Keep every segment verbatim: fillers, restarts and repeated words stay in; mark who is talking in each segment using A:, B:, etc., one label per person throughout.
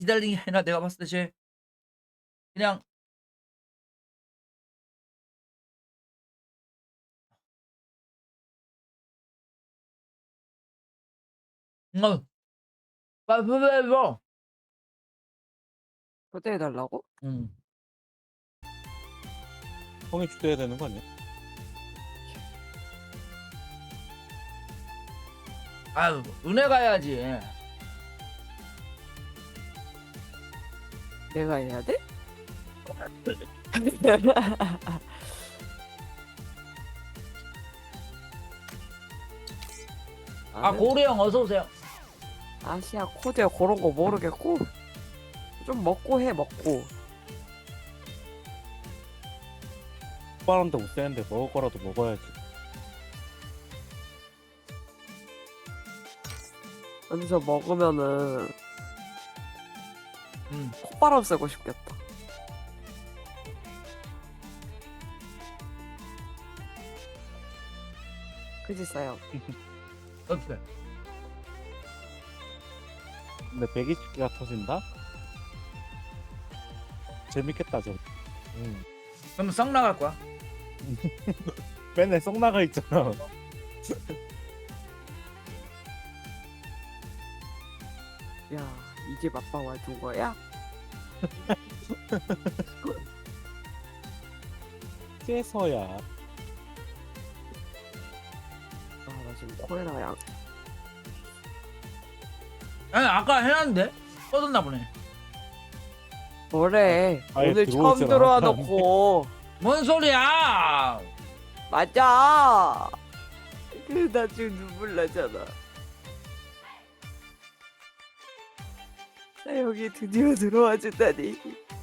A: 기다리는 게 아니라 내가 봤을 때 쟤 그냥 어.
B: 초대해 달라고?
A: 음.
C: 형이 초대해야 되는 거 아니야?
A: 아유 은혜 가야지.
B: 내가 해야 돼?
A: 아 고래 형 어서 오세요.
B: 아시아 코드 그런 거 모르겠고 좀 먹고 해 먹고.
C: 오빠랑도 못 쓰는데 먹을 거라도 먹어야지.
B: 여기서 먹으면은
A: 음.
B: 콧바람 쐬고 싶겠다. 그지 싸요.
A: 어때?
C: 근데 배기치기가 터진다? 재밌겠다 저. 응.
A: 그러면 썩 나갈 거야.
C: 맨날 쏙 나가 있잖아.
B: 야 이제 맛봐 와준 거야?
C: 깨서야.
B: 아 나 지금 코에라 양.
A: 아니 아까 해놨는데 꺼졌나 보네.
B: 뭐래?
C: 아예
B: 오늘
C: 들어오질
B: 처음 들어와
C: 않았다는데.
B: 놓고.
A: 뭔 소리야?
B: 맞아. 그 나 지금 눈물 나잖아. 나 여기 드디어 들어와 준다니.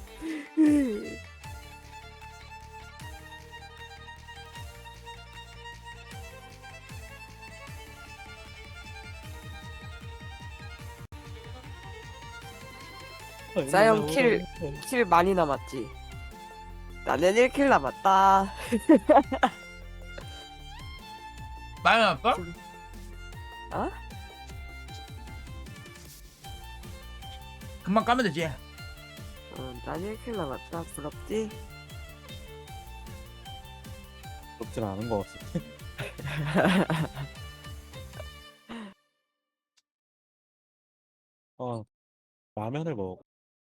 B: 싸영 킬. 킬 많이 남았지. 나는 일 킬 남았다.
A: 많이 났어?
B: 어?
A: 금방 까면 되지.
B: 어, 난 일 킬 남았다. 부럽지?
C: 부럽진 않은 것 같아. 어, 라면을 먹어.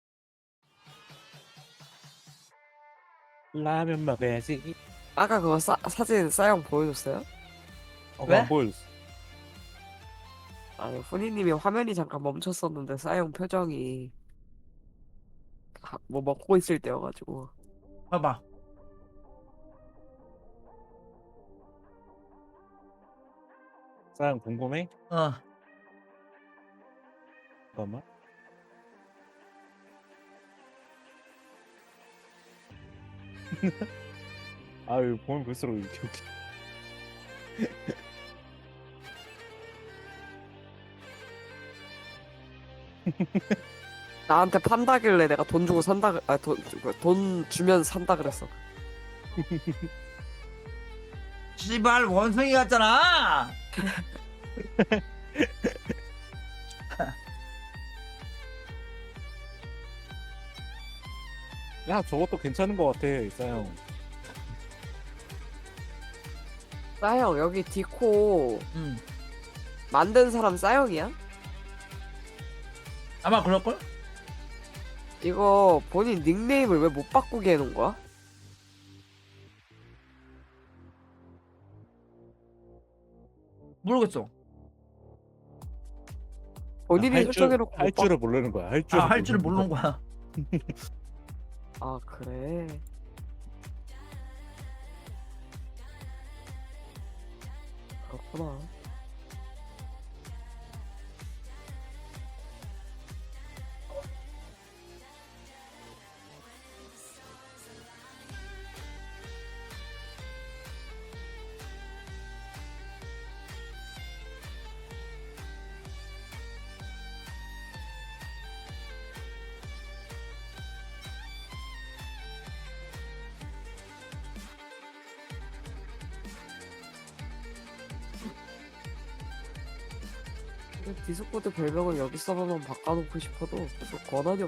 C: 라면 먹어야지.
B: 아까 그거 사, 사진 싸영 보여줬어요?
C: 어,
A: 왜?
C: 안 보여줬어.
B: 아니 훈이님이 화면이 잠깐 멈췄었는데 싸영 표정이 하- 뭐 먹고 있을 때여가지고.
A: 봐봐.
C: 사람 궁금해?
A: 어.
C: 잠깐만. 아유, 보면 볼수록 이렇게 웃기.
B: 나한테 판다길래 내가 돈 주고 산다 그- 아, 돈, 그, 돈 주면 산다 그랬어.
A: 씨발 원숭이 같잖아.
C: 야, 저것도 괜찮은 것 같아, 이사형.
B: 싸영 여기 디코
A: 음.
B: 만든 사람 싸영이야?
A: 아마 그럴걸?
B: 이거 본인 닉네임을 왜 못 바꾸게 해놓은 거야?
A: 모르겠어.
B: 본인이
C: 할 줄,
B: 설정해놓고
C: 할
B: 못 바...
C: 줄을 모르는 거야. 할 줄을
A: 아 할 줄을
C: 모르는
A: 모르는 거야.
B: 아 그래. 그렇구나. 디스코드 별명을 여기 서버만 바꿔놓고 싶어도 계속 권한이